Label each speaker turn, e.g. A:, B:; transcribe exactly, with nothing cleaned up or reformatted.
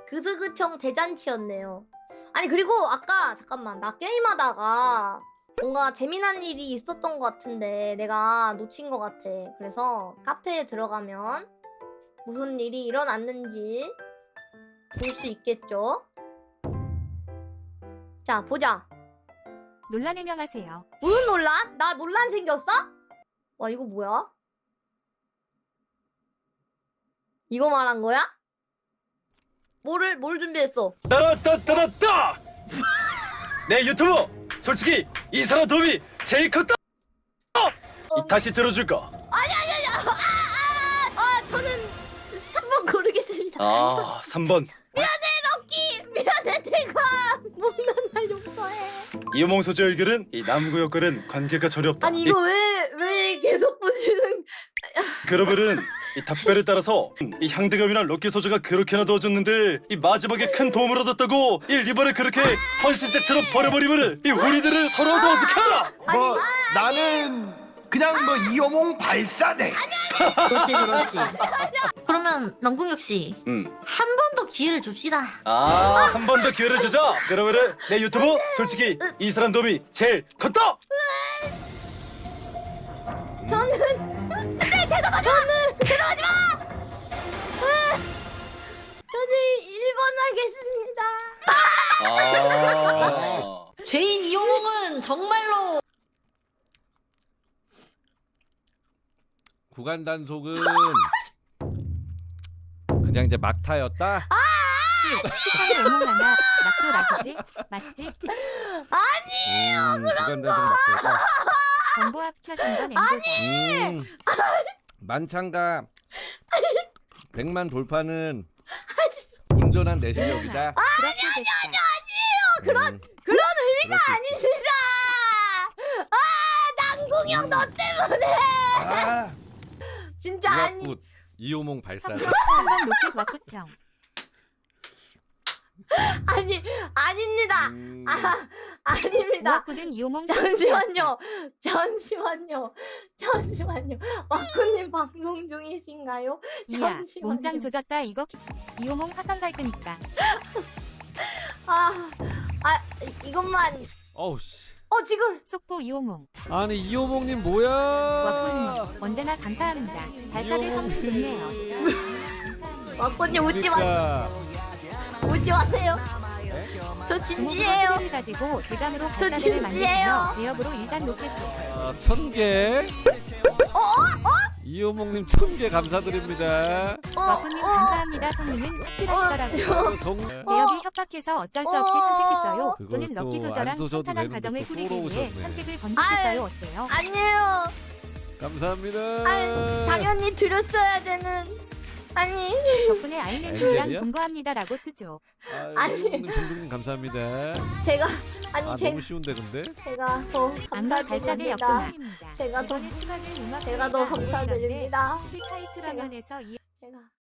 A: 그스그청 대잔치였네요. 아니 그리고 아까 잠깐만 나 게임하다가 뭔가 재미난 일이 있었던 것 같은데 내가 놓친 것 같아. 그래서 카페에 들어가면 무슨 일이 일어났는지 볼 수 있겠죠? 자 보자.
B: 논란 해명하세요.
A: 무슨 논란? 나 논란 생겼어? 와 이거 뭐야? 이거 말한 거야? 뭐를 뭘 준비했어?
C: 따라따따따따! 내 유튜브 솔직히 이 사람 도움이 제일 컸다. 이 다시 들어줄까?
A: 아니 아니 아니 아, 아, 아 저는 삼 번 고르겠습니다.
C: 아 삼 번
A: 미안해 럭키 미안해 내가 못난 날 용서해.
C: 이호몽 소재 의결은 이 남구 역할은 관계가 전혀 없다.
A: 아니 이거 왜 왜 계속 보시는?
C: 그러면은 이 답변에 따라서 이 향대감이나 럭키 소재가 그렇게나 도와줬는데 이 마지막에 큰 도움을 얻었다고 이 리버를 그렇게 헌신짝처럼 버려버리면은 이 우리들은 서러워서 어떡하나?
D: 뭐 나는 그냥 뭐 이호몽 발사대.
E: 그렇지 그렇지. 그러면 남궁혁 씨,
C: 음.
E: 한 번 더 기회를 줍시다.
C: 아, 한 번 더 기회를 주자. 그러면은 내 유튜브 솔직히 이 사람 도움이 제일 컸다.
A: 저는 네 대답하지 마. 저는 대답하지 마. 저는 일 번 하겠습니다.
C: 아.
E: 죄인 이호몽은 정말로
F: 구간 단속은 그냥 이제 막타였다.
B: 스파이 오목 하나 낙도 낙이지? 맞지?
F: 음, 구간 단속 막타였다.
B: 정보합 켜진 건 엠보다.
F: 음, 만창가 백만 돌파는 온전한 내 실력이다.
B: 그렇게 됐다.
F: 그런
A: 그런 의미가 아닙니다. 아 남궁영 너 때문에
F: 아,
A: 진짜 아니.
F: 무합굿 이호몽 발사대.
B: 한번 높이 와꾸청.
A: 아니 아닙니다.
F: 음,
A: 아 아닙니다.
B: 무합굿은 이호몽.
A: 잠시만요. 잠시만요. 잠시만요. 와꾸님 방송 중이신가요?
B: 이야
A: 잠시만요.
B: 몸짱 조졌다 이거. 이호몽 화성 갈 거니까.
A: 아, 아 이- 이것만.
F: 어우 씨.
A: 어 지금
B: 속보 이호몽.
F: 아니 이호몽님 뭐야?
B: 와꾸님 언제나 감사합니다. 발사대 성능 좋네요. 감사합니다.
A: 와꾸님 웃지 마.
F: 그러니까.
A: 웃지 마세요. 저 진지해요.
B: 를 가지고 대감으로
A: 저
B: 발사대를
A: 진지해요.
B: 만들며 대역으로 일단 놓겠어요.
F: 아, 천 개.
A: 어? 어?
F: 이호몽님 천 개 감사드립니다.
A: 어?
B: 와꾸님
A: 어?
B: 감사합니다. 성능은 확실하시더라고요.
F: 아, 정...
B: 대역이 협박해서 어쩔 수 없이
A: 어.
B: 선택했어요.
F: 그걸
B: 또는
F: 또
B: 럭키
F: 안
B: 소저랑
F: 써셔도
B: 평탄한
F: 되는데
B: 가정을
F: 또
B: 꾸리기 위해
F: 쏘러오셨네.
B: 선택을 번복했어요. 어때요?
A: 아니에요.
F: 감사합니다.
A: 아, 당연히 드렸어야 되는. 아니.
B: 덕분에 아이랜드랑
F: 엔젤이야?
B: 동거합니다라고 쓰죠.
F: 아유,
A: 아니.
F: 이호몽님 정동님 감사합니다.
A: 제가 아니
F: 아
A: 제가
F: 너무 쉬운데 근데?
A: 제가 더
B: 안가 발사대
A: 감사드립니다.
B: 역동입니다.
A: 제가 더-
B: 이번에 추가될 음악
A: 제가 더 감사드립니다.
B: 혹시 타이틀 화면에서 이
A: 제가